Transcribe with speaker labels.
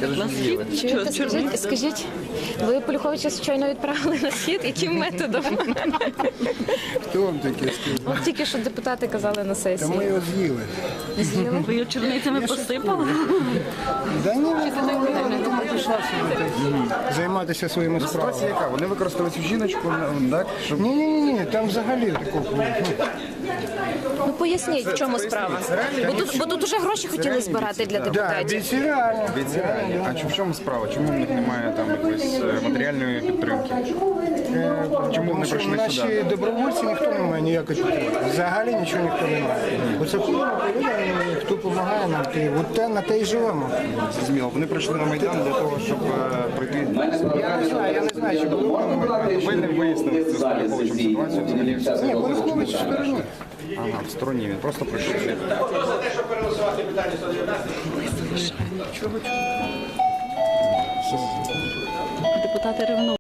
Speaker 1: Чуєте, скажіть, ви Полюховича щойно відправили на схід? Яким методом?
Speaker 2: Хто вам таке сказав?
Speaker 1: От тільки що депутати казали на
Speaker 2: Та
Speaker 1: сесії.
Speaker 2: ми його з'їли.
Speaker 3: Ви його черницями посипали?
Speaker 2: Да ні, не пішла собі так займатися своїми справами.
Speaker 4: Ситуація яка? Вони використовують цю жіночку, так? Щоб...
Speaker 2: Ні, там взагалі такого.
Speaker 1: Ну поясніть, в чому справа. Бо тут уже гроші хотіли збирати для
Speaker 2: Да,
Speaker 1: депутатів.
Speaker 2: бійці реально.
Speaker 4: Бійці реальні. А в чому справа? Чому в них немає там якоїсь матеріальної підтримки? Чому вони
Speaker 2: Тому що
Speaker 4: прийшли
Speaker 2: наші
Speaker 4: сюди?
Speaker 2: добровольці ніхто не має ніякої підтримки. Взагалі нічого ніхто не має. Оце хто допомагає нам, от на те і живемо.
Speaker 4: Зрозуміло. Вони прийшли на Майдан для того, щоб пройти.
Speaker 2: Я не знаю, чи було воно.
Speaker 4: Ви не вияснили цю Полюховичем ситуацію взагалі?
Speaker 2: Ні, Полюхович в стороні.
Speaker 4: Ага, в стороні. Він просто прийшов.
Speaker 3: Депутати ревнують.